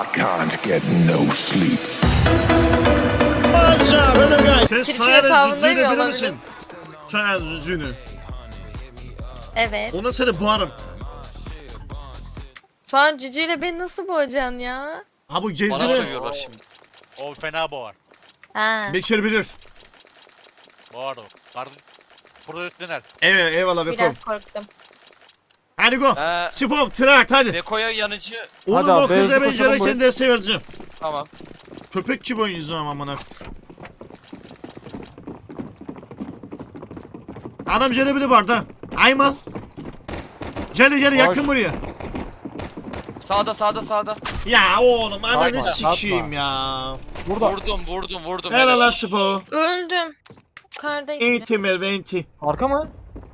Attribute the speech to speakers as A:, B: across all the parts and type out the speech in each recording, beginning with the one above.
A: Can't get no sleep.
B: Sen
C: Twitch
B: soyadı
C: hesabında
B: Züzü'nü
C: mı
B: bilir
C: olabilir?
B: misin? Soyadı Züzü'nü.
C: Evet.
B: Ona seni boğarım.
C: Şu an cücüyle beni nasıl boğacaksın ya?
B: Ha bu
D: Bana
B: gezini
D: sövüyorlar şimdi.
E: O fena boğar.
C: Ha.
B: Bekir bilir.
E: Boğar o. Burada üstlener.
B: Evet eyvallah Bekom.
C: Biraz korktum.
B: Hadi go. Spom trak hadi.
D: Beko'ya yanıcı.
B: Oğlum
F: Hadi
B: o
F: abi,
B: kıza
F: beyazı
B: ben
F: koşalım
B: gereken
F: bu.
B: dersi vereceğim.
D: Tamam.
B: Köpek gibi oynayacağım amına. Adam cerebili var da. Aymal. Celi yakın buraya.
D: Sağda.
B: Ya oğlum ananı
F: Aymal,
B: sikeyim
F: atma.
B: ya.
F: Burada.
D: Vurdum.
B: Helal lan Spom.
C: Öldüm. Yukarıdayım.
B: Enti Merve enti.
F: Arka mı?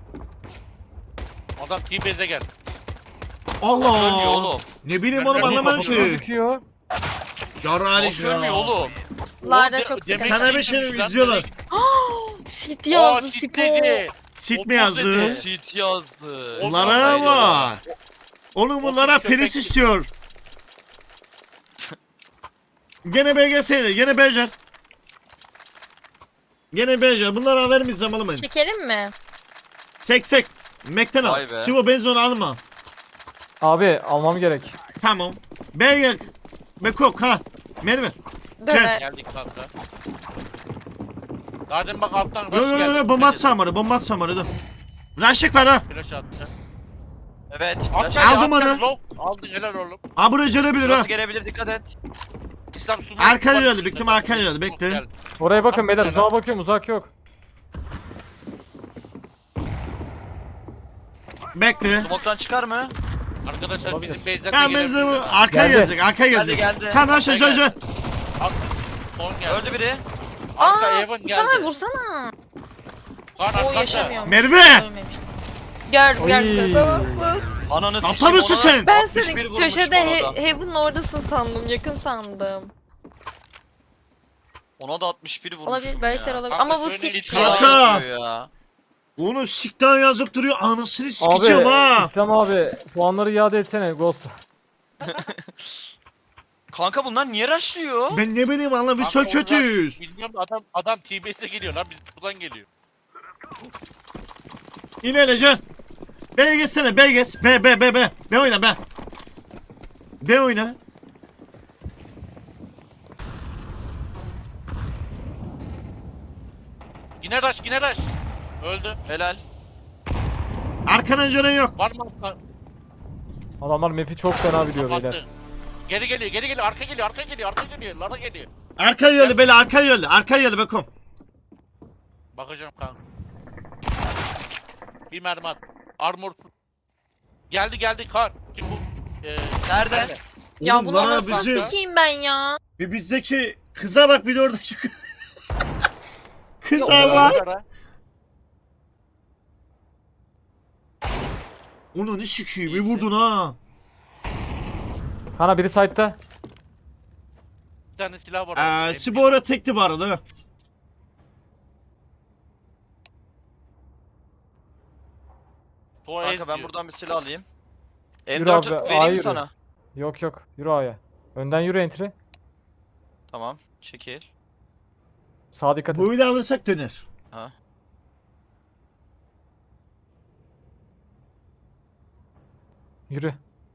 E: Adam T-Base'e gel.
D: Ölmüyor
B: Allah.
D: oğlum.
B: Ne bileyim
E: Ben
B: oğlum
E: de
B: anlamadım
F: Kafası
B: ki.
F: gözüküyor.
B: Yarrani
D: Boş ölmüyor oğlum.
C: Larda
E: Oğlum,
C: çok
E: demek
C: sıkıntı.
B: Sana bir
E: ki
B: şey
E: gitmiş lan,
B: izliyorlar.
E: demek-
C: Sit
E: Aa,
C: yazdı
E: sit
C: Sipo.
E: dedi.
B: Sit mi
E: Otuz
B: yazdı?
E: dedi.
D: Cheat yazdı.
B: Bunlara var. Oğlum bunlara
E: Otuz köpek
B: priz
E: gibi.
B: istiyor. Gene BGS'ydi. Gene Becer. Gene Becer. Bunlara vermeyeceğim oğlum ben.
C: Çekelim mi?
B: Çek. Mekten al.
D: Vay be.
B: Sivo benzonu alma.
F: Abi almam gerek.
B: Tamam. Beyer. Bekok ha. Merve.
C: Döner.
E: Geldik kanka. Zaten bak alttan
B: Yo
E: rush geldi.
B: bomba atsamarı. Bomba atsamarı dur. Raşık var ha.
E: Flash attı.
D: Evet.
E: Atacak,
D: Flash
B: Aldım
E: atacak,
B: onu.
E: low. Aldın helal oğlum.
B: Ha buraya gelebilir ha.
D: Burası gelebilir, dikkat et.
E: İslam sumu.
B: Arka geldi. Büktüm arka geldi. Bekle.
E: Geldi.
F: Oraya bakın beyler.
E: Atma
F: Uzağa bakıyorum, uzak yok.
B: Bekle.
D: Smoke'tan çıkar mı?
E: Arkadaşlar
F: Olabilir.
E: bizim base'den
B: Ha
E: de
B: benziyor bu.
E: gelebilirler.
B: Arkaya
F: Geldi.
B: gelecek. Arkaya gelecek.
D: Geldi.
B: Kan aşağı
D: Geldi.
B: aşağı.
E: Son geldi.
D: Öldü biri.
E: Arka
C: Aa,
E: Evan
C: vursana
E: geldi.
C: vursana.
E: Kan
C: O
E: arkada.
C: yaşamıyor.
B: Merve.
C: Ölmemiştim. Gördüm
F: Oy.
C: tamamsın.
D: Ananı
B: Aptal
D: sikeyim.
B: mısın
D: ona
B: sen?
C: Ben
D: 61
C: seni
D: vurmuşum
C: köşede
D: ona da.
C: Heaven'ın oradasın sandım. Yakın sandım.
D: Ona da 61 vurmuşum
C: Olabilir böyle şeyler
D: ya.
C: olabilir.
E: Kanka
C: Ama bu
E: şöyle
C: sik
E: bir-
C: ya.
B: Kanka.
D: Yapıyor ya.
B: Onu sikten yazıp duruyor. Anasını
F: Abi
B: sikeceğim ha.
F: İslam abi puanları iade etsene Ghost.
D: Kanka bunlar niye rushlıyor?
B: Ben ne bileyim anla biz
E: Kanka
B: çok
E: onlar-
B: kötüyüz.
E: Bilmiyorum adam T-Base'e geliyor lan biz buradan geliyor.
B: İlerleyeceksin. B'ye geçsene B'ye geç. B. B oyna B. B oyna.
E: Yine rush. Öldü.
D: Helal.
B: Arkadan canın yok.
E: Var mı arka?
F: Adamlar map'i çok fena biliyor beyler.
E: Kapattı. Geri geliyor. Arka geliyor. Lara geliyor.
B: Arka yolu böyle arka yolu Bekom.
E: Bakacağım kanka. Bir mermi at. Armor. Geldi kar. Kim bu?
D: Nerede?
C: Ya
B: Oğlum,
C: bunu
B: Lara
C: nasıl
B: bizi-
C: sikeyim ben ya?
B: Bir bizdeki kıza bak bir de orada çıkıyor. Kıza
E: Lara,
B: bak.
E: Lara.
B: Onu ne sikiyim bir
D: İyisin.
B: vurdun ha.
F: Kana biri side'da.
E: Bir tane silah var.
B: Spora tekti bu arada.
D: Kanka ben buradan bir silah alayım.
F: Yürü
D: M4'ü
F: abi,
D: vereyim
F: hayır.
D: mi sana?
F: Yok. Yürü A'ya. Önden yürü entry.
D: Tamam. Çekil.
F: Sağa dikkat et.
B: Böyle alırsak döner.
D: Ha.
F: Yürü.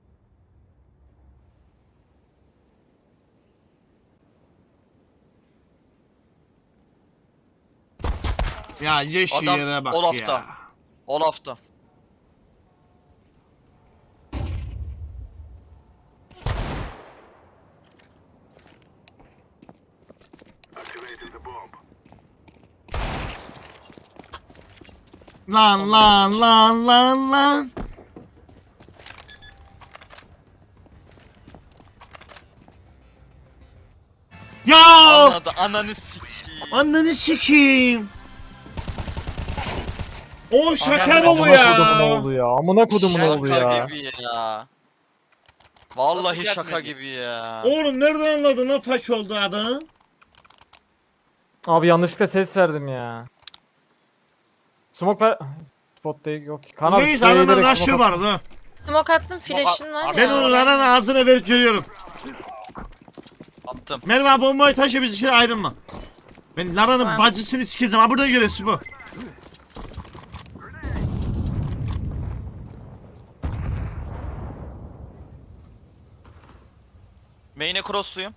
B: Ya yeşil
D: Adam
B: yere bak
D: Olaf'ta.
B: ya.
D: Olaf'ta.
B: Lan. Ya!
D: Anladı. Ananı sikeyim.
B: Anneni sikeyim. O şaka
E: Ananı
B: mı bu
F: Amına kodumun
B: ya?
F: oğlu ya. Amına kodumun oğlu
D: Şaka
F: ya.
D: gibi ya. Vallahi
E: Nasıl
D: şaka
E: gelmedi?
D: gibi ya.
B: Oğlum nereden anladın lan faş oldu adam?
F: Abi yanlışlıkla ses verdim ya. Smoke ver. Spot değil yok. Kana
B: Neyse adamın rush'ı vardı.
C: Smoke attım flash'ın var
B: Ben
C: ya.
B: onun anan ağzına verip görüyorum.
D: Attım.
B: Merve bombayı taşı biz için ayrılma. Ben Lara'nın
C: Tamam.
B: bacısını sikeceğim. Ha burada görüyorsun bu.
D: Main'e crossluyum.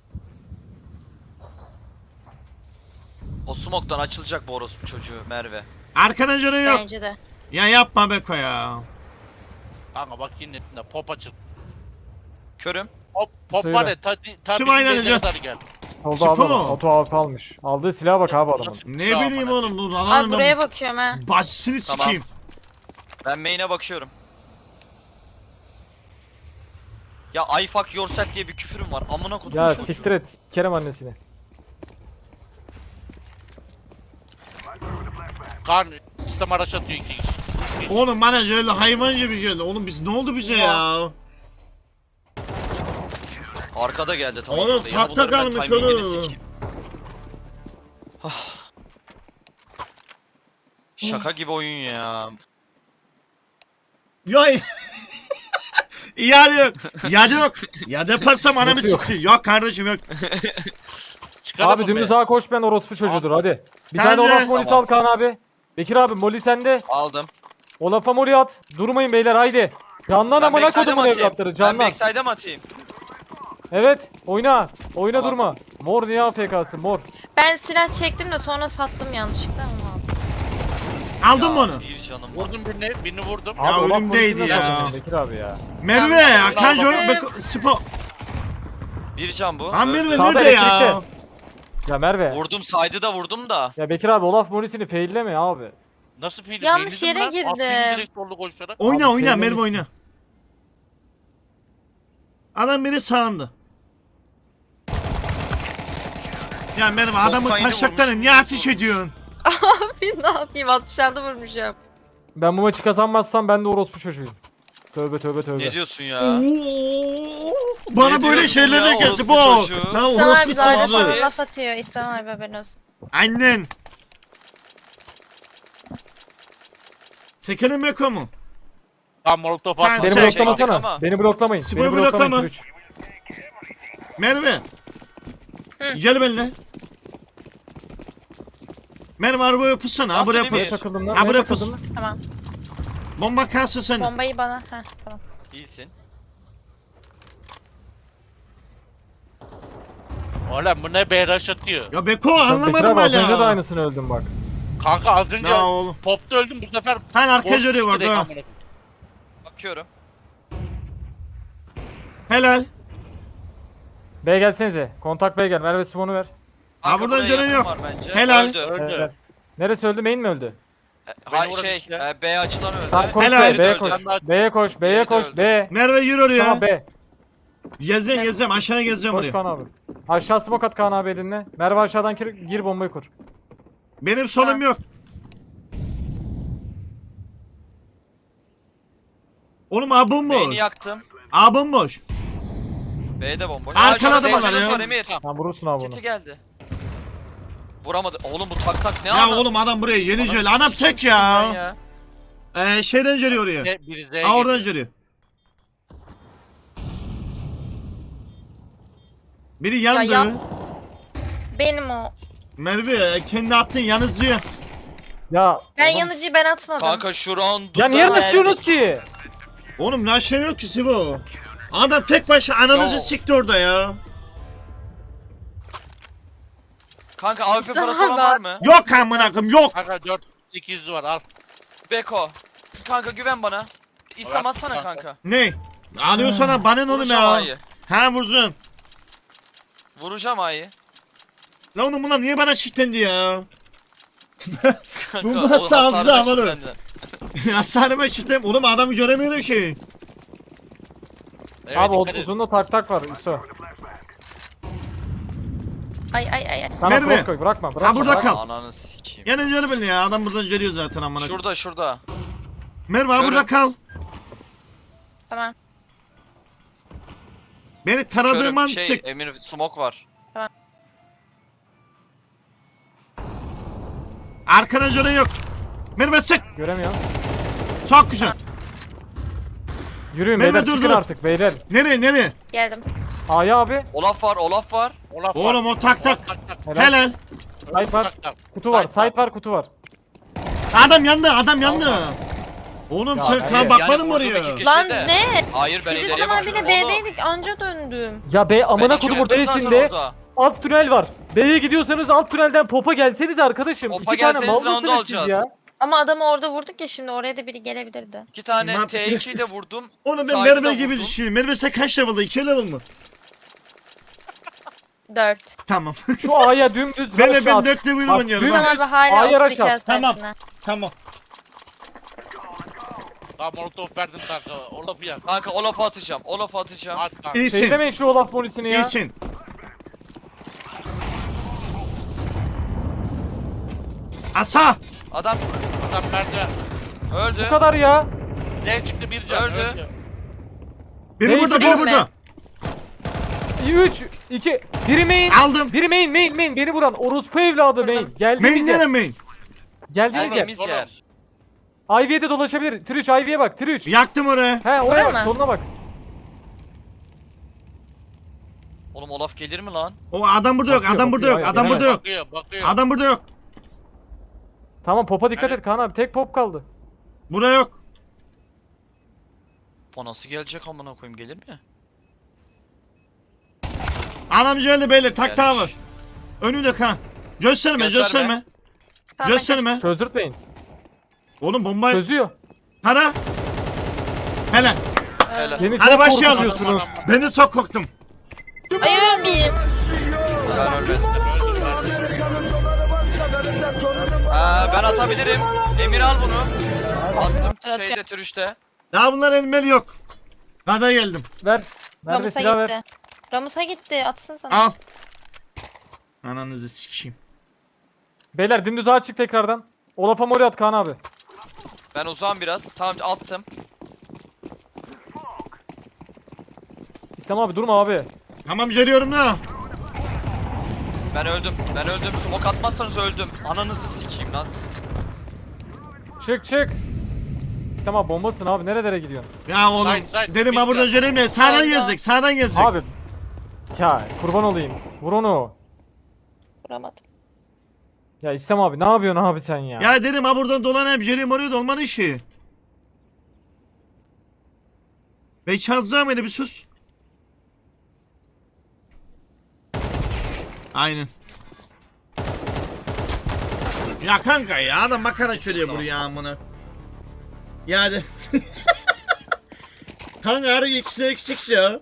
D: O smoke'tan açılacak bu orospu çocuğu Merve.
B: Arkana canı yok.
C: Bence de.
B: Ya yapma Beko ya.
E: Kanka bak yine netinde pop açıl.
D: Körüm.
E: Pop
F: Söyle.
E: var ya ta
B: Şu
E: bizim
B: aynen
E: base'e
B: hocam.
E: kadar gel.
F: Oldu
B: Spor
F: abi adam.
B: mu?
F: Oto AWP almış. Aldığı silaha bak abi adamın.
E: Nasıl
B: Ne
E: silah
B: bileyim
E: amına
B: oğlum bu
C: Abi
B: Lara'nın
C: buraya
B: ben
C: bakıyorum ha.
B: bacısını
D: Tamam.
B: sikeyim.
D: Ben main'e bakıyorum. Ya I fuck yourself diye bir küfürüm var. Amına kodum
F: Ya
D: çocuğu.
F: siktir et. Kerem annesini.
E: Karn sistem araç atıyor 2 kişi. 3 kişi.
B: Oğlum bana şöyle hayvanca bir şey. Oğlum biz ne oldu bize ya?
D: Arkada geldi tamam.
B: Oğlum,
D: orada. Ya
B: tapta
D: bunların ben
B: kalmış
D: timingini
B: oğlum.
D: sikeyim. Ah. Şaka gibi oyun ya.
B: Ya yani yok. Ya yok. Ya yaparsam anamı
F: Nasıl yok?
B: siksin. Yok kardeşim yok.
E: Çıkaralım
F: Abi
E: mı
F: dümdüz
E: be?
F: ağa koş ben orospu çocuğudur hadi. Bir
B: Tamam,
F: tane Olaf
B: tamam.
F: molisi al Kaan abi. Bekir abi moli sende.
D: Aldım.
F: Olaf'a moli at. Durmayın beyler haydi. Canlan
D: Ben
F: amına
D: backside'e mi
F: kodumun
D: atayım?
F: evlatları
D: Ben
F: canlan.
D: backside'e mi atayım?
F: Evet oyna. Oyna
D: Tamam.
F: durma. Mor niye AFK'sın mor.
C: Ben silah çektim de sonra sattım yanlışlıkla ama.
B: Aldın mı
D: Ya,
B: onu?
D: Bir canım var.
E: Vurdum birini vurdum.
F: Abi
B: Ya
F: Olaf
B: önümdeydi
F: molisini
B: ya.
F: nasıl atacaksın Bekir abi ya.
B: Merve
C: Tamam.
B: Hakan
E: Tamam.
B: Beko Spo.
D: Bir can bu.
B: Lan
D: Öldü.
B: Merve
F: Sağda
B: nerede ya?
F: elektrikte. Ya Merve.
D: Vurdum side'ı da vurdum da.
F: Ya Bekir abi Olaf molisini failleme abi.
E: Nasıl film?
C: Yanlış
E: Beğendin
C: yere
E: lan. Attım
C: girdim.
E: direkt sollu koşarak.
B: Oyna
F: Abi,
B: oyna Merve
F: sevmemişsin.
B: oyna. Adam beni sağında. Ya Merve adamı
D: kaydı
B: taşaklarına
D: vurmuş,
B: niye
D: vurmuş,
B: ateş
D: vurmuş.
B: ediyorsun?
C: Ne yapayım 66 vurmuşum.
F: Ben bu maçı kazanmazsam ben de orospu çocuğuyum. Tövbe tövbe tövbe.
D: Ne diyorsun ya?
B: Oo, bana
D: Ne
B: böyle
D: diyorsun
B: şeyler
D: ya,
B: de gelsin
D: orospu
B: bu.
D: çocuğu?
B: Ha
C: İslam
B: orospu
C: abi de öyle
B: sızı.
C: sana laf atıyor. İslam abi haberin olsun.
B: Annen. Sekelim Beko mu?
E: Tam molotof
B: Sen-
E: atma.
F: Beni
B: Şey,
F: bloklamasana.
D: ama.
F: Beni bloklamayın.
B: Spor
F: Beni bloklamayın.
B: bloklama.
F: Türüç.
B: Merve.
C: Hı.
B: Gel benimle. Merve arabaya pussana. Ha
D: Attı
B: buraya
D: değil mi?
F: Neye
B: pus.
F: takıldın lan?
B: Ha
F: Neye
B: buraya
F: takıldın
B: pus.
F: lan?
C: Tamam.
B: Bomba kalsın sen.
C: Bombayı bana. Heh tamam.
D: İyisin.
E: Oğlum bu ne BRH atıyor.
B: Ya Beko
F: Bekir
B: anlamadım
F: abi az önce de
B: hala.
F: aynısını öldüm bak.
E: Kanka az önce
B: Ya oğlum.
E: popta öldüm bu sefer.
B: Sen arkaya
E: boş
B: görüyor bak
E: direkt
B: ha.
E: amına.
D: Bakıyorum.
B: Helal.
F: B'ye gelsenize. Kontak B'ye gel. Merve Simon'u ver.
D: Kanka,
B: buradan
D: buraya
B: canın
D: yakın
B: yok.
D: var bence.
B: Helal.
D: Öldü.
E: Öldü.
F: Evet. Neresi öldü? Main mi öldü?
D: Hay
E: vurun
D: şey,
E: işte.
D: B açılan öldü.
F: Tamam koş
B: Helal.
F: B'ye, B'ye
D: Öldü.
F: koş.
E: Öldü.
F: B'ye koş, B'ye
D: Diğeri de
F: koş,
D: öldü.
F: B.
B: Merve yürü oraya.
F: Tamam B.
B: Gezeceğim aşağıya gezeceğim
F: Koş
B: oraya.
F: Kaan abi. Aşağı smoke at Kaan abi elinle. Merve aşağıdan gir bombayı kur.
B: Benim solum
C: Ha.
B: yok. Oğlum abim
D: Main'i
B: boş.
D: yaktım.
B: Abim boş.
D: B'de bomboş.
B: Arkaladı
D: Aa, şurada
B: bana
D: Zeytin'in
B: ya.
D: var Emir.
F: Sen vurursun abi onu.
D: City geldi. Vuramadı. Oğlum bu tak tak ne
B: Ya
D: ana?
B: oğlum adam buraya yeni
D: Ananı
B: jöle. Adam
D: sikeyim
B: tek
D: ben
B: ya. Şeyden geliyor oraya.
E: Biri Z'ye
B: Aa oradan
E: geliyor.
B: geliyor. Biri yandı.
C: Ya yap. Benim o.
B: Merve kendi attın yanıcı.
F: Ya
C: Ben
F: oğlum-
C: yanıcıyı ben atmadım.
D: Kanka şu round.
F: Ya niye rushlıyorsunuz ki?
B: Oğlum ne şey yok ki Sivo. Adam tek başına ananızı
D: Yo.
B: sikti orada ya.
D: Kanka AWP
C: Sana
D: parası olan
C: bak.
D: var mı?
B: Yok amına koyayım yok.
E: Kanka 4800 var al.
D: Beko. Kanka güven bana. İslam
E: Evet,
D: atsana
E: kanka.
D: kanka.
B: Ne? Alıyor sana bana ne oğlum
D: Vuracağım
B: ya.
D: A'yı.
B: Ha vursun.
D: Vuracağım A'yı.
B: Lan oğlum bunlar niye bana çitlendi ya?
D: Kanka,
B: Bu
D: o
B: nasıl
D: hasarı
B: hafıza
D: da
B: havalı?
D: kilitlendi.
B: Hasarıma çitlem. Oğlum adamı göremiyorum ki.
E: Evet,
F: Abi
E: dikkat et.
F: uzunda tak var İso.
C: Ay.
F: Sana
B: Merve.
F: cross koy bırakma bırakma.
B: Ha, burada
F: bırakma.
B: kal.
D: Ananı sikeyim.
B: Yani canı belli ya adam buradan görüyor zaten amına.
D: Şurada.
B: Merve ha
D: Görün.
B: burada kal.
C: Tamam.
B: Beni taradığım an
D: Körüm,
B: sık.
D: Emir smoke var.
B: Arkana canı yok. Merve sık.
F: Göremiyorum.
B: Çok güzel.
F: Yürüyün
B: Mehmet,
F: beyler
B: dur,
F: çıkın
B: dur.
F: artık beyler.
B: Nereye?
C: Geldim.
F: A'ya abi.
D: Olaf var, Olaf var.
E: Olaf var.
B: Oğlum o tak tak.
E: Tak tak.
F: Helal.
B: Helal.
F: Site var.
E: Tak tak.
F: Kutu var.
E: Site var.
F: Site var kutu var.
B: Adam yandı. Oğlum
F: Ya,
B: sen
F: evet.
B: kan bakmadın mı
D: vurdum
B: oraya?
D: iki kişi
C: Lan
D: de.
C: ne?
D: Hayır ben
C: Biz
D: ileriye
C: İslam
D: bakıyorum.
C: abiyle B'deydik anca döndüm.
F: Ya be amına kodum
D: orada
F: ortasında alt tünel var. B'ye gidiyorsanız alt tünelden popa gelseniz arkadaşım.
D: Popa
F: İki tane
D: gelseniz
F: mal
D: round'u
F: mısınız siz
D: alacağız.
F: ya?
C: Ama adamı orada vurduk ya şimdi oraya da biri gelebilirdi.
D: 2 tane
B: Mantıklı.
D: T2'yi de vurdum.
B: Oğlum ben
D: Sahibi de
B: Merve gibi
D: vurdum.
B: düşünüyorum. Merve sen kaç level'da? 2 level mı?
C: 4.
B: Tamam.
F: Şu A'ya dümdüz
B: Ben
F: rush
B: ben
F: at.
B: 4 level
F: Bak,
B: oynuyorum.
F: dün-
C: İslam
B: ha.
C: abi hala
F: A'ya
C: 32
F: rush at.
C: hastanesine.
B: Tamam.
E: Tamam molotof verdim kanka. Olaf'ı yak.
D: Kanka Olaf'ı atacağım.
E: At kanka.
B: İyisin.
F: Seyirlemeyin şu Olaf polisini ya.
B: İyisin. Asa.
D: Adam
E: Adam merdiven.
D: öldü.
F: Bu kadar ya.
E: D çıktı bir can.
D: Öldü.
E: Öldü.
B: Biri
F: Neyse,
B: burada,
C: değil
B: biri
C: mi?
B: burada.
F: 3, 2, biri main.
B: Aldım.
F: Biri main beni vuran orospu evladı main. Geldiğiniz
B: Main
F: yer.
B: nere main?
F: Geldiğiniz yer.
D: Geldiğimiz
E: Oğlum.
D: yer.
F: Ivy'ye de dolaşabilir. Trish Ivy'ye bak Trish.
B: Yaktım oraya.
F: He oraya
C: Oraya
F: bak
C: mı?
F: soluna bak.
D: Oğlum Olaf gelir mi lan?
B: O adam burada yok,
F: Bakıyor,
B: adam burada
F: bakıyor,
B: yok,
F: hayır,
B: adam
F: gelemez.
B: burada yok.
E: Bakıyor.
B: Adam burada yok.
F: Tamam popa dikkat
E: Evet.
F: et Kaan abi. Tek pop kaldı.
B: Burada yok.
D: O nasıl gelecek amına koyayım, gelir mi?
B: Anamcı öyle beyler, tak
D: Gelmiş.
B: tower. Önümde kan. Gösterme,
D: Gösterme.
B: gösterme.
C: Tamam,
B: Gösterme.
F: Çözdürtmeyin.
B: Oğlum bombayı
F: Çözüyor.
B: para. Helal.
D: Helal.
F: Beni
B: Hadi
F: çok
B: başlayalım.
F: korkutuyorsunuz.
B: Ben de çok korktum.
C: Ay ölmeyeyim.
D: Ben ölmedim. Ben atabilirim. Emir al bunu. Attım
C: Evet,
D: şeyde türüşte.
B: Daha bunlar elmeli yok. Gaza geldim.
F: Ver. Ver ve
C: Ramus'a
F: silah ver.
C: gitti. Ramus'a gitti atsın sana.
B: Al. Ananızı sikeyim.
F: Beyler dümdüz ağa çık tekrardan. Olaf'a mori at Kaan abi.
D: Ben uzağım biraz. Tamam attım.
F: İslam abi durma abi.
B: Tamam geliyorum da.
D: Ben öldüm. Smoke atmazsanız öldüm. Ananızı sikeyim lan.
F: Çık. İslam abi bombasın abi nerelere gidiyorsun?
B: Ya oğlum.
E: Side,
B: Dedim ha buradan geleyim de sağdan
C: Sağdan.
B: gezdik, sağdan gezdik.
F: Abi. Ya kurban olayım. Vur onu.
C: Vuramadım.
F: Ya İslam abi ne yapıyorsun abi sen ya?
B: Ya dedim ha buradan dolan hep geleyim oraya dolmanın işi. Ben çalacağım beni bir sus. Aynen. Ya kanka ya adam makara çörüyor buraya amına. Ya hadi. Kanka harbi ikisi eksik ya.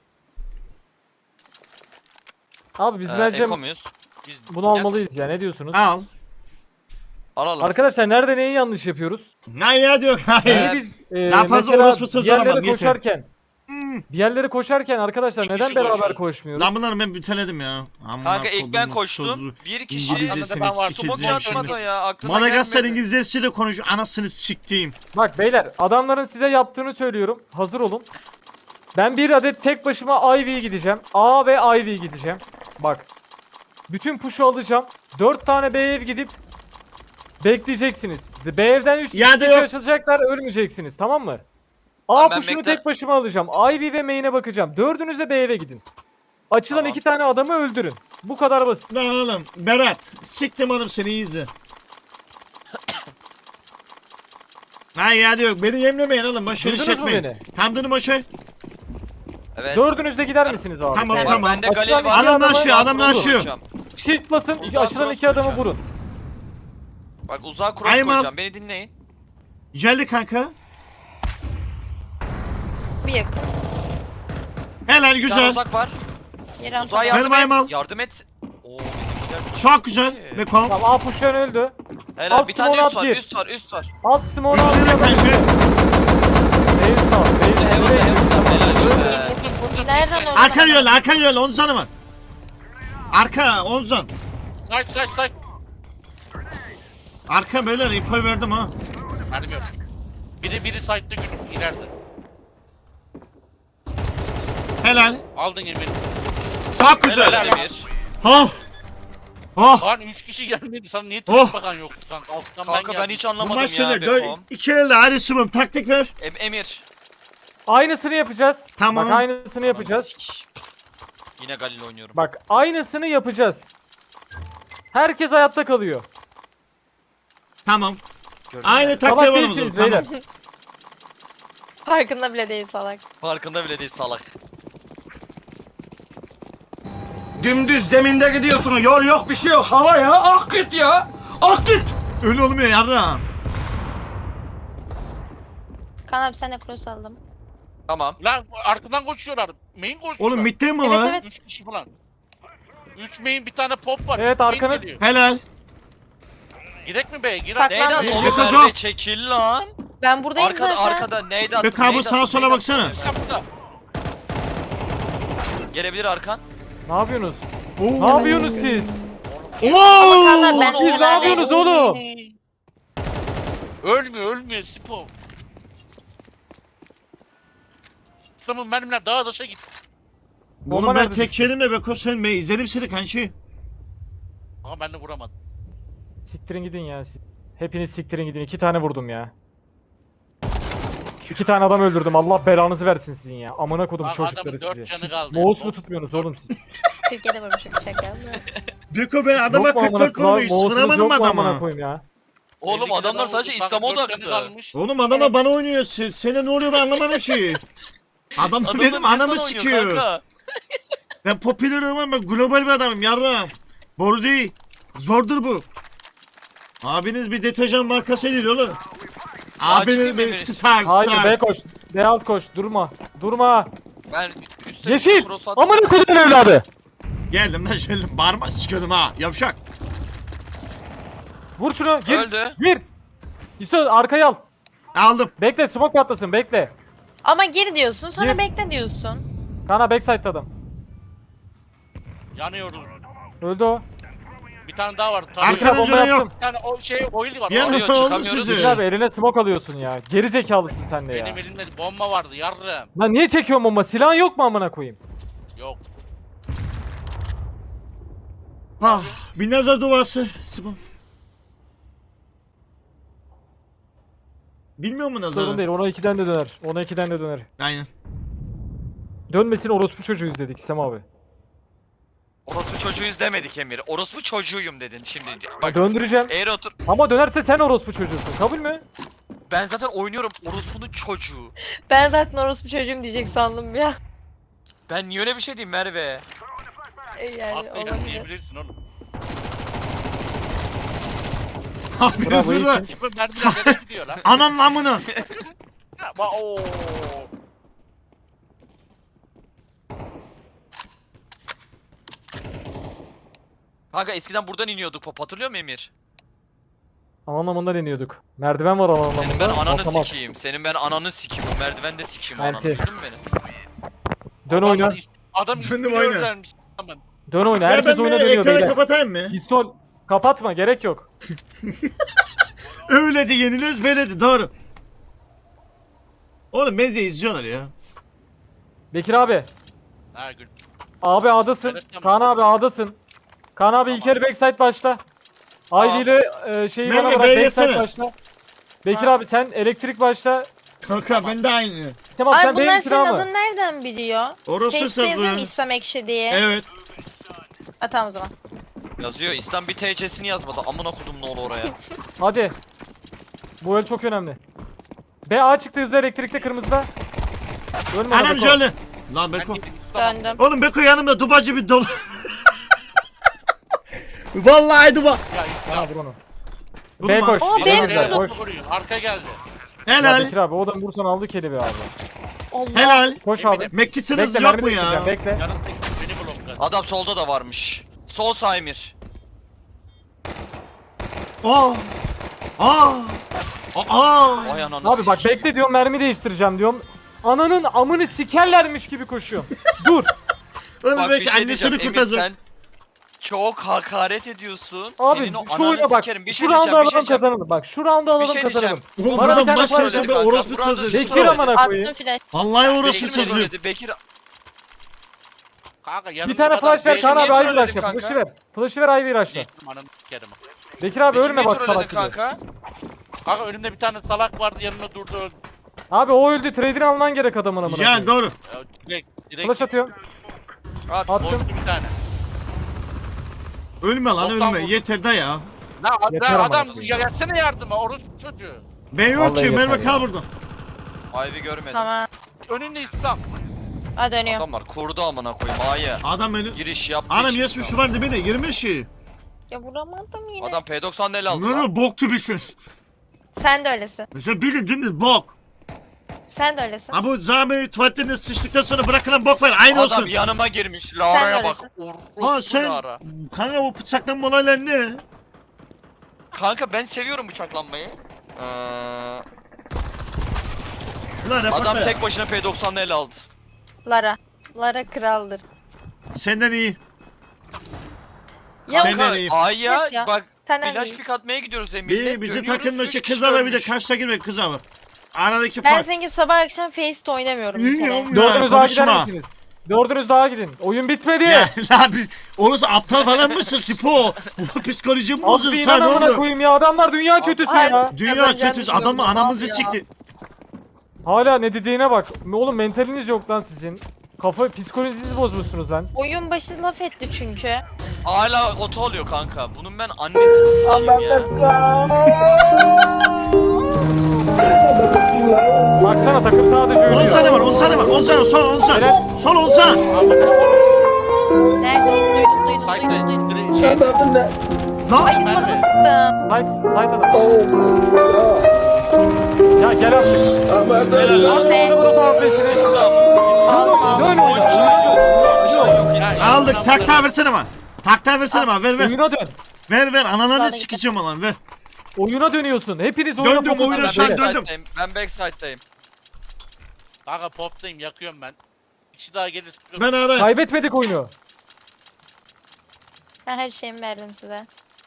F: Abi biz bence
D: Eko muyuz? Biz
F: bunu almalıyız ya ne diyorsunuz?
B: Al.
D: Alalım.
F: Arkadaşlar nerede neyi yanlış yapıyoruz?
B: Ne ya diyor. Hayır.
D: Evet.
F: Biz
B: Daha fazla
F: mesela
B: orospu söz
F: bir yerlere
B: alamam, yeter.
F: koşarken bir yerlere koşarken arkadaşlar
E: İki
F: neden
E: kişi
F: beraber
E: koşuyor.
F: koşmuyoruz?
B: Lan bunları ben büteledim ya. Amına
D: Kanka ilk ben
B: kodumun
D: koştum.
B: sözü.
D: Bir kişi
B: İngilizcesini
E: ben var.
B: sikeceğim
D: smoke atmadı
B: şimdi.
D: ya. Aklıma
B: Madagaskar
D: gelmedi.
B: İngilizcesiyle konuşuyor. Anasını siktiğim.
F: Bak beyler adamların size yaptığını söylüyorum. Hazır olun. Ben bir adet tek başıma Ivy gideceğim. A ve Ivy gideceğim. Bak. Bütün push'u alacağım. 4 tane B ev gidip bekleyeceksiniz. B evden 3
B: Ya da
F: kişi
B: yok.
F: açılacaklar ölmeyeceksiniz tamam mı?
D: Tamam,
F: A
D: ben
F: push'unu
D: bekle-
F: tek başıma alacağım. Ivy ve main'e bakacağım. Dördünüz de B eve gidin. Açılan
D: Tamam.
F: 2 tane adamı öldürün. Bu kadar basit.
B: Lan oğlum Berat. Siktim oğlum seni iyi izle. Hayır ya diyor. Beni yemlemeyin oğlum. Başarı
F: Duydunuz mu
B: çekmeyin.
F: beni?
B: Tam dönüm başarı.
D: Evet.
F: Dördünüz de gider misiniz abi?
B: Tamam,
D: Bak,
B: tamam.
D: bende
F: Açılan
D: galeri
F: iki
D: var.
B: Adam
F: adamı-
B: aşıyor, adam
D: Cross
B: aşıyor.
D: koyacağım.
F: Shift basın.
D: Uzağa
F: Açılan
D: cross
F: 2 adamı
D: koyacağım.
F: vurun.
D: Bak uzağa cross
B: Ayım al.
D: koyacağım. Beni dinleyin.
B: Geldi kanka.
C: Bir yakın.
B: Helal
D: Bir tane
B: güzel.
D: uzak var.
C: Yeri
D: Uzağa
C: atamadım.
D: yardım
B: ayım al.
D: et. Yardım et. Oo. güzel.
B: Çok güzel. Beko.
F: Tamam A push'tan öldü.
D: Helal.
F: Alt
D: Bir tane
F: smoke
D: üst var.
F: at bir.
D: Üst var.
F: Alt smoke'u
B: Üstüne
F: alıyor.
B: kanka.
F: Beyz sağ.
D: Heaven'da
F: Beyz.
D: Helal.
C: Nereden oldu?
B: Arka yolla, arka yolla. 10 canı var. Arka 10 can.
E: Side.
B: Arka böyle info verdim ha.
E: Mermi yok. Biri side'da gülüm ileride.
B: Helal.
E: Aldın Emir.
B: Çok güzel.
D: Helal Emir.
B: Oh. Oh.
E: Lan 3 kişi gelmedi. Sana niye
B: Oh.
E: tek bakan yoktu kanka? Alttan
D: Kanka ben
E: geldim.
D: hiç
B: Bu
D: anlamadım
B: maç
D: ya
B: neler?
D: Bekom.
B: İki elde hadi sumum taktik ver.
D: Emir.
F: Aynısını yapacağız.
B: Tamam.
F: Bak aynısını yapacağız.
D: Sikeyim. Yine Galil oynuyorum.
F: Bak aynısını yapacağız. Herkes hayatta kalıyor.
B: Tamam.
D: Gördün
B: Aynı
D: mü?
B: taktiğe
F: Salak
B: varalım o
F: değilsiniz
B: zaman.
F: beyler.
B: Tamam.
C: Farkında bile değil salak.
D: Farkında bile değil salak.
G: Dümdüz zeminde gidiyorsun. Yol yok, bir şey yok. Hava ya. Ak git ya. Ak git.
B: Öyle olmuyor yarram.
C: Kaan abi sen de cross aldım.
D: Tamam.
E: Lan arkadan koşuyorlar. Main koşuyorlar.
B: Oğlum mitte mi
C: Evet
B: var?
C: evet.
E: 3 kişi falan. 3 main bir tane pop var.
F: Evet,
E: Main
F: arkanız.
E: geliyor.
B: Helal.
E: Girek mi be? Gir
C: Saklan.
E: hadi.
D: Neyden
B: Yok,
D: oğlum
B: yok,
D: Merve
B: yok.
D: çekil lan.
C: Ben buradayım
D: Arkada
C: zaten.
D: arkada neydi attın?
B: Be kabı
D: neydi
B: sağa
D: attın,
B: sola
D: neydi
B: baksana.
D: attın?
E: Sen burada.
D: Gelebilir arkan.
F: Ne yapıyorsunuz?
B: Oo.
F: Ne yapıyorsunuz siz?
C: Kaan abi
B: Oo.
C: ben
F: Siz ne
C: kenardayım.
F: yapıyorsunuz oğlum?
E: Ölmüyor Spo. İslam'ın benimle dağa taşa gitti.
F: Bomba
B: Oğlum ben
F: nerede
B: tek
F: düştü?
B: yerimle Beko sen ben izledim seni kanki.
E: Ama ben de vuramadım.
F: Siktirin gidin ya siz. Hepiniz siktirin gidin. 2 tane vurdum ya. 2 tane adam öldürdüm. Allah belanızı versin sizin ya. Amına kodum
E: Bak
F: çocukları
E: adamın 4
F: sizi.
E: canı kaldı.
F: Mouse mu tutmuyorsunuz oğlum siz?
C: Türkiye'de vurmuşum şaka.
B: Beko ben adama
F: Yok mu amına
B: 44
F: koyayım?
B: vurmuş.
F: Mouse'unuz
B: Sınamadım
F: yok mu amına
B: adama.
F: koyayım ya?
D: Oğlum
E: 52
D: adamlar
E: tane
D: sadece
E: vurdu. Bak,
D: İslam'a
E: 4 canı
D: odaklı.
E: kalmış.
B: Oğlum adama bana oynuyor. Sana ne oluyor ben anlamadım ki. Adam
D: Adamlar
B: benim
D: niye
B: anamı
D: sana oynuyor
B: sikiyor.
D: kanka?
B: Ben popüler olmam, ben global bir adamım yarram. Boru değil. Zordur bu. Abiniz bir deterjan markası değil oğlum. Abiniz
D: çıkayım
B: bir
D: mı
B: star
F: Hayır
B: star.
F: B koş. B alt koş. Durma. Durma.
D: Ben üstte
F: Yeşil.
D: cross attım.
F: Amına kodum evladı.
B: Geldim lan geldim. Bağırma sikiyordum ha. Yavşak.
F: Vur şunu. Gir.
D: Öldü.
F: Gir. İso arkaya al.
B: Aldım.
F: Bekle smoke patlasın bekle.
C: Ama gir diyorsun sonra
F: Gir.
C: bekle diyorsun.
F: Kana backside'da adam.
E: Yanıyoruz.
F: Öldü o.
E: Bir tane daha var.
B: Arkadan
E: Tanıyor.
F: bomba
B: canı
F: yaptım.
B: yok.
E: Bir tane o şey oil var.
B: Yan
E: o-
D: Oluyor,
B: oldu
D: çıkamıyoruz.
B: sizi.
F: Bekir abi eline smoke alıyorsun ya. Geri zekalısın sen de ya.
E: Benim elimde bomba vardı yarrım.
F: Lan niye çekiyorsun bomba? Silahın yok mu amına koyayım?
E: Yok.
B: Ah, bir nazar duası. Sıvı. Bilmiyor mu nazarı?
F: Sorun değil. Ona 2'den de döner. Ona 2'den de döner.
B: Aynen.
F: Dönmesin orospu çocuğuyuz dedik Sem abi.
D: Orospu çocuğuyuz demedik Emir. Orospu çocuğuyum dedin şimdi. Bak
F: Döndüreceğim.
D: eğer otur.
F: Ama dönerse sen orospu çocuğusun. Kabul mü?
D: Ben zaten oynuyorum orospunun çocuğu.
C: Ben zaten orospu çocuğum diyecek sandım ya.
D: Ben niye öyle bir şey diyeyim Merve?
C: Yani
E: Atlayacak
C: olabilir.
E: diyebilirsin oğlum.
B: Abiniz
F: Bravo,
B: burada.
F: iyisin.
E: Yapın mermiler nereye gidiyor lan?
B: Anan namını.
E: Ooo.
D: Kanka eskiden buradan iniyorduk pop hatırlıyor musun Emir?
F: Anlamından iniyorduk. Merdiven var anlamında.
D: Senin ben ananı
F: basamak.
D: sikeyim. Senin ben ananı sikeyim. O merdivende sikeyim ananı.
F: Anti.
D: Duydun mu beni?
F: Dön oyna.
E: Adam
B: Döndüm
E: ismini
B: oyna.
E: öğrenmiş. Tamam.
F: Dön oyna.
B: Ya
F: Herkes
B: ben
F: oyuna
B: bir
F: dönüyor
B: ekranı
F: beyler.
B: kapatayım mı?
F: Pistol. Kapatma gerek yok.
B: Öyle de yeniliyoruz böyle de doğru. Oğlum benzi izliyorlar ya.
F: Bekir abi.
E: Ha gül.
F: Abi A'dasın.
E: Evet, tamam.
F: Kaan abi A'dasın. Kaan abi ilk kere backside başla.
D: Tamam.
F: Ivy ile şeyi
B: Merve,
F: bana bırak
B: B'ye
F: backside
B: yesene.
F: başla. Bekir abi sen elektrik başla.
B: Kanka ben de aynı.
F: Tamam
C: Ay
F: sen
C: bunlar
F: B'nin
C: senin
F: silahı mı?
C: adın nereden biliyor?
B: Orospu
C: Face'te yazıyor mu
B: sazı.
C: İslam Ekşi diye?
B: Evet.
C: Ha tamam o zaman.
D: Yazıyor. İslam bir TC'sini yazmadı. Amına kodum ne olur oraya.
F: Hadi. Bu el çok önemli. B A çıktı hızlı elektrikte kırmızıda. Ölme ona
B: Anam
F: Beko.
B: şöyle. Lan Beko.
C: Döndüm.
B: Oğlum Beko yanımda dubacı bir dolu. Vallahi duba.
F: Bana vur onu.
B: Vurma.
F: B koş.
C: Aa,
F: B
C: B
F: güzel,
C: vurdu.
F: koş.
E: Arka geldi.
F: Ya
B: Helal.
F: Bekir abi o da vursan aldı keli be abi.
C: Allah.
B: Helal.
F: Koş abi.
B: Mekkitsiniz
F: Bekle
B: yok
F: mermi
B: mu ya?
F: değiştireceğim bekle.
E: Yanındaki beni blokladı.
D: Adam solda da varmış. Sol sağ Emir.
B: Aa. Aa. Aa.
D: Vay ananı
F: Abi bak
D: sikeyim.
F: bekle diyorum mermi değiştireceğim diyorum. Ananın amını sikerlermiş gibi koşuyorum. Dur.
B: Oğlum
D: Bak bir
B: belki
D: şey
B: annesini
D: diyeceğim Emir
B: kurtarsın.
D: sen çok hakaret ediyorsun.
F: Abi
D: Senin o
F: şu
D: ananı
F: oyuna bak.
D: sikerim. Bir
F: Şu
D: şey
F: roundu
D: diyeceğim, bir şey
F: alalım
D: diyeceğim.
F: kazanalım. Bak şu roundu alalım
D: şey
F: kazanalım.
D: diyeceğim.
B: Oğlum
F: Bana bir
B: buradan
F: tane
B: maç
F: flash
B: versen
F: ver.
B: ben
D: Kanka,
B: orospu
D: buradan
B: sözü.
D: düştü.
F: Bekir amına koyayım.
C: Attım flash.
B: Vallahi orospu
D: Bekir mi
B: sözü.
D: söyledi? Bekir
E: Kanka
F: Bir
E: yanımda
F: tane
E: adam
F: flash ver
E: beni
F: Kaan abi
D: niye
F: Ivy
D: trolledin
F: rush'la.
D: kanka?
F: Flash'ı ver. Flash'ı ver Ivy rush'la.
E: Geçtim ananı sikerim.
F: Bekir abi
D: Bekir
F: ölme
D: niye
F: bak
D: trolledin
F: salak gibi.
D: kanka?
E: Kanka önümde bir tane salak vardı yanımda durdu öldü.
F: Abi o öldü. Trader'i alman gerek adamın amına.
B: Ya
F: koyayım.
B: doğru.
E: Ya, direkt
F: Flash atıyorum.
D: At.
F: Attım.
E: boştu bir tane.
B: Ölme lan
E: Doksan
B: ölme.
E: vurdu.
B: Yeter de ya.
F: Yeter
E: La
F: ama
E: adam
F: abi.
E: gelsene yardıma orası çocuğu.
B: Ben yok
F: Vallahi
B: ki.
F: yeter
B: Merve
F: ya.
B: kal burada.
D: Ivy görmedim.
C: Tamam.
E: Önünde İslam.
C: Ha dönüyor.
D: Adamlar kurdu amına koyayım A'ya.
B: Adam beni...
D: Giriş yaptı.
B: Anam
D: çıktı.
B: yes şu var dibine 20 şey.
C: Ya vuramadım yine.
D: Adam P90 el aldı
B: Ne
D: lan.
B: ne bok gibisin.
C: Sen de öylesin.
B: Mesela bilin dümdüz bok.
C: Sen de öylesin.
B: Ha bu zahmet tuvaletlerine sıçtıktan sonra bırakılan bok var aynı olsun.
D: Adam yanıma girmiş. Lara'ya bak.
B: Ha
D: Orospu
B: sen
D: Lara.
B: kanka bu bıçaklanma olayları ne?
D: Kanka ben seviyorum bıçaklanmayı.
B: Lan
D: Adam
B: report
D: tek başına P90 el aldı.
C: Lara. Lara kraldır.
B: Senden iyi.
C: Ya
B: Sen-
D: Kanka
B: iyi.
D: A'ya
C: Yes ya.
D: bak
C: Senden
D: flash
C: iyi.
D: pick atmaya gidiyoruz Emir'le.
B: Bir bizim
D: Dönüyoruz,
B: takımdaki
D: üç
B: kız
D: kişi
B: var bir de
D: ölmüş.
B: karşıda girmek kız var. Aradaki
C: Ben
B: fark.
C: senin gibi sabah akşam Face'te oynamıyorum bir kere.
B: Ya,
F: Dördünüz daha gider
B: konuşma.
F: misiniz? Dördünüz daha gidin. Oyun bitmedi.
B: Ya la biz orası aptal falan mısın Sipo? Bu psikolojim bozuldu
F: Abi
B: sen
F: inan amına
B: oldu.
F: koyayım ya. Adamlar dünya kötüsü
C: Ay.
F: ya.
B: Dünya
C: Kazanacağını
B: kötüsü
C: düşünüyorum,
B: adamı
C: ne
B: anamızı
C: yapıyor?
B: sikti.
F: Hala ne dediğine bak. Oğlum mentaliniz yok lan sizin. Kafa psikolojinizi bozmuşsunuz lan.
C: Oyun başı laf etti çünkü.
D: Hala oto oluyor kanka. Bunun ben annesini sikeyim ya.
F: Baksana takım sadece
B: 10
F: ölüyor.
B: saniye var 10 saniye var 10 saniye sol 10 saniye.
F: Helal.
B: Sol 10 saniye.
C: Nerede? Duydum.
E: Sayda direkt şey.
B: Lan
C: Ay bana mı sıktın?
F: Side adam. Ya gel artık.
C: Ah be.
F: Dön oyuna.
B: aldık takta versene bana. Takta versene bana ver ver.
F: Oyuna dön.
B: Ver ananı
C: Sağ
B: sikeceğim olan ver.
F: Oyuna dönüyorsun. Hepiniz oyuna
B: Döndüm,
F: fokus
B: oyuna
F: edin.
D: Ben
B: şu an
F: Beyler.
B: döndüm.
D: backside'dayım. Ben backside'dayım.
E: Kanka poptayım yakıyorum ben. Bir kişi daha gelir.
B: Ben ara.
F: Kaybetmedik oyunu.
C: Ben her şeyimi verdim size.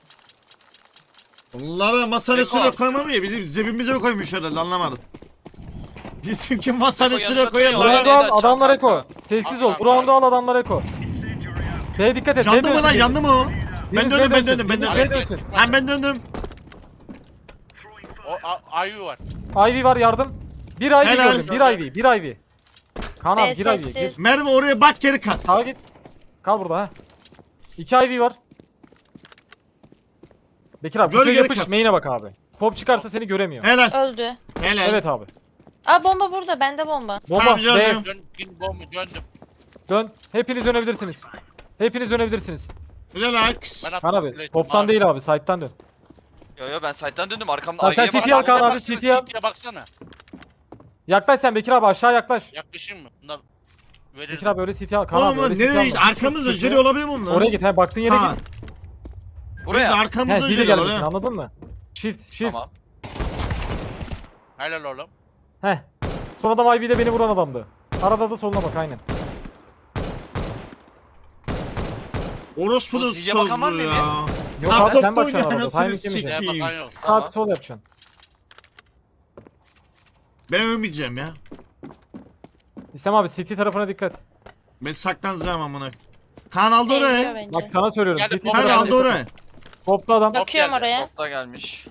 B: Onlara masanın
D: Eko.
B: üstüne koymam ya bizim cebimize mi koymuş herhalde anlamadım. Bizimki masanın
D: Eko
B: üstüne
D: yanında
B: koyarlar.
D: duruyor.
B: ha.
F: Round'u al,
D: Neden
F: adamlar
D: çal
F: eko.
D: kanka?
F: Sessiz ol. Bu round'u al, adamlar eko. B'ye dikkat et.
B: Yandı mı lan yandı mı o? Ben döndüm ben döndüm ben döndüm.
F: döndüm.
B: Ha ben döndüm.
E: O Ayu var.
F: Ivy var yardım. Bir Ivy
B: Helal.
F: gördüm. Bir Ivy. Bir Ivy. Kaan abi bir Ivy. Gir.
C: Sessiz.
B: Merve oraya bak geri kat.
F: Sağa git. Kal burada ha. 2 Ivy var. Bekir abi
B: Gör
F: şuraya
B: geri
F: yapış.
B: kas.
F: Main'e bak abi. Pop çıkarsa seni göremiyor.
B: Helal.
C: Öldü.
B: Helal.
F: Evet abi.
C: Aa bomba burada. Bende bomba.
F: Bomba.
B: Tamam canım.
F: B.
E: Dön bomba döndüm.
F: Dön. Hepiniz dönebilirsiniz. Hepiniz dönebilirsiniz.
B: Relax.
E: Ben
F: Kaan
E: attım
F: abi.
E: plate.
F: Pop'tan
E: Abi.
F: değil abi. Side'tan dön.
D: Yo ben side'dan döndüm arkamda
F: Tamam, sen
D: Ivy'ye
F: CT al
D: bak.
F: Kaan abi.
E: Baksana,
F: CT al.
E: CT'ye baksana.
F: Yaklaş sen Bekir abi, aşağı yaklaş.
E: Yaklaşayım mı? Bunlar verir.
F: Bekir abi öyle CT al. Kaan
B: Oğlum
F: abi
B: lan
F: öyle CT
B: nereye
F: alma.
B: arkamızda
F: Çık,
B: jüri
F: çık.
B: olabilir mi onlar?
F: Oraya git. He baktığın yere
B: Ha.
F: git.
B: Biz
D: Buraya.
F: He
B: arkamızda
F: zile
B: jüri
F: gelmesin
B: oraya.
F: anladın mı? Shift.
D: Tamam.
E: Helal oğlum.
F: Heh. Son adam IB'de beni vuran adamdı. Arada da soluna bak aynen.
B: Orospu'nun
D: Bu ziye bakan var
B: sözü
D: mı
B: ya.
F: Yok
B: Lan
F: abi sen
B: doktor
F: bakacaksın arada.
B: anasını
F: Timing yemeyeceksin.
E: Şeye
B: sikeyim.
E: bakan yok.
F: Sağ
D: Tamam.
F: sol yapacaksın.
B: Ben ölmeyeceğim ya.
F: İslam abi City tarafına dikkat.
B: Ben saklanacağım amına. Kaan aldı
C: Sevmiyor
B: oraya.
C: bence.
F: Bak sana söylüyorum.
E: Geldi,
F: City
E: Pop
B: Kaan
F: tarafına
B: aldı
F: dikkat.
B: oraya.
F: Poplu adam.
C: Bakıyorum
E: geldi.
C: oraya.
D: Topta gelmiş.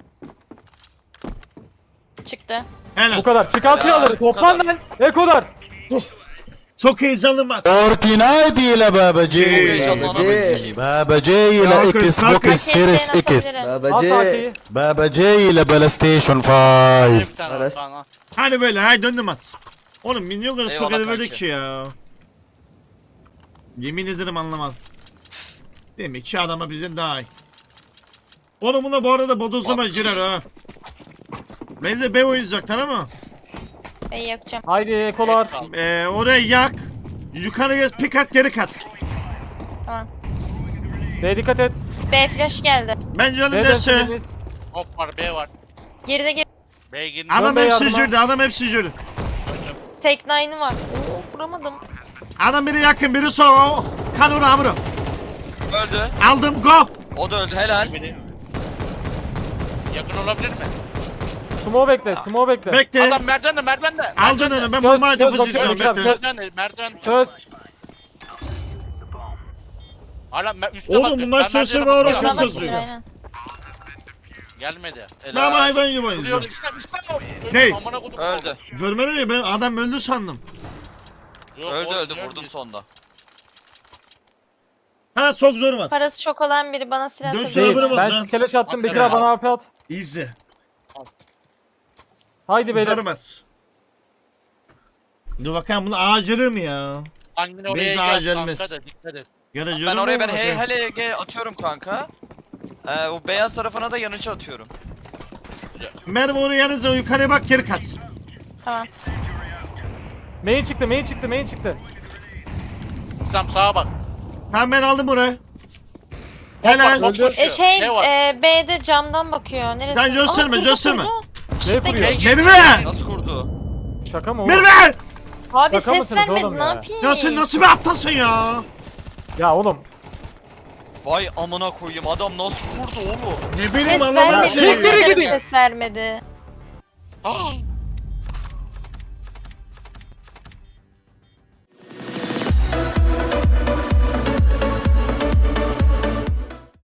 C: Çıktı.
B: Helal.
F: Bu kadar. Çıkar silahları.
D: bu
F: Toplan
D: kadar.
F: lan. Ekolar.
B: Çok heyecanlı maç.
H: فورتنايت لبابا جي
D: Heyecanlı anamı sikeyim.
H: بابا جاي
B: يا
H: لاكس
B: أخي،
H: بوكس سيريس
C: Herkes
H: اكس
C: beni
F: Al sakiyi.
H: بابا جاي لبلا ستيشن 5
E: Bir tane var, tamam.
B: Hani böyle hay döndü maç. Oğlum minyon kadar
D: Eyvallah
B: çok verdik
D: kanki.
B: ki ya. Yemin ederim anlamadım. Demek ki adama bizden daha iyi. Oğlum buna bu arada bodozlama girer ha. Ben de B oynayacak tamam mı?
C: Ben yakacağım.
F: Haydi ekolar.
B: Oraya yak. Yukarı geç pik at geri kat.
C: Tamam.
F: B'ye dikkat et.
C: B flash geldi.
B: Ben canım
F: B'den
B: derse.
F: süreniz.
E: Hop var B var.
C: Geride geri.
E: B'ye girin.
B: Adam
F: Dön be
B: hepsi
F: yardıma.
B: jürdü adam hepsi jürdü.
C: Tek nine'ı var. Oo vuramadım.
B: Adam biri yakın biri sol. Kan onu hamuru.
D: Öldü.
B: Aldım go.
D: O da öldü helal.
E: Biri. Yakın olabilir mi?
F: Smoke bekle. Smoke bekle.
B: Bekle.
E: Adam merdivende.
B: Aldın onu ben
F: Göz-
B: bombayı
F: göz
B: tıfız
F: bakıyorum,
B: izliyorum
F: göz-
B: bekle.
E: Merdiven.
F: Çöz.
E: Hala üstte
B: Oğlum bunlar sözü var, orası
C: Bana
B: sözü.
C: bakıyor aynen.
E: Gelmedi.
B: Ben hayvan gibi
E: Duruyor
B: oynuyorum.
E: işte
B: Ne?
E: Amına kodum.
D: Öldü.
B: Görmedin mi ben adam öldü sandım.
E: Yok,
D: Öldü
E: oğlum,
D: öldü
E: görmüyorsun.
D: vurdum sonda.
B: Ha çok zor var.
C: Parası çok olan biri bana silah
B: Dön
C: atabilir.
B: şöyle
F: Değil.
B: bırak
C: mi?
B: bak.
F: Ben skeleş attım. Bekir
E: Hakikaten
F: abi bana AP at.
B: İzle.
F: Haydi beyler.
B: Zarımaz. Dur bakalım bunu ağacırır mı ya?
E: Annen oraya
B: Biz
E: gel
B: acelemiz.
E: kanka da dikkat et.
B: Ya da
D: Ben
B: cırır
D: oraya
B: mı?
D: ben HLG atıyorum kanka. O beyaz tarafına da yanıcı atıyorum.
B: Merve oraya yanınıza yukarıya bak geri kaç.
C: Tamam.
F: Main çıktı, main çıktı, main çıktı.
E: İslam sağa bak.
B: Tamam ben aldım burayı. Helal.
E: Top koşuyor. Ne var?
C: B'de camdan bakıyor. Neresi?
B: Sen gösterme,
C: Aa, kurdu,
B: gösterme.
C: kurdu.
F: Ne kuruyor?
B: Merve!
D: Nasıl kurdu?
F: Şaka mı o?
B: Merve!
C: Abi
F: Şaka
C: ses
F: mısınız
C: vermedi
F: oğlum
C: ne
F: ya?
C: yapayım?
B: Ya sen nasıl bir aptalsın ya?
F: Ya oğlum.
D: Vay amına koyayım adam nasıl kurdu oğlum?
B: Ne
C: Ses
B: bileyim
C: vermedi.
B: anlamadım
F: Siktir
C: Yemin
B: şey.
C: ederim
F: gidin.
C: ses vermedi.
E: Ah!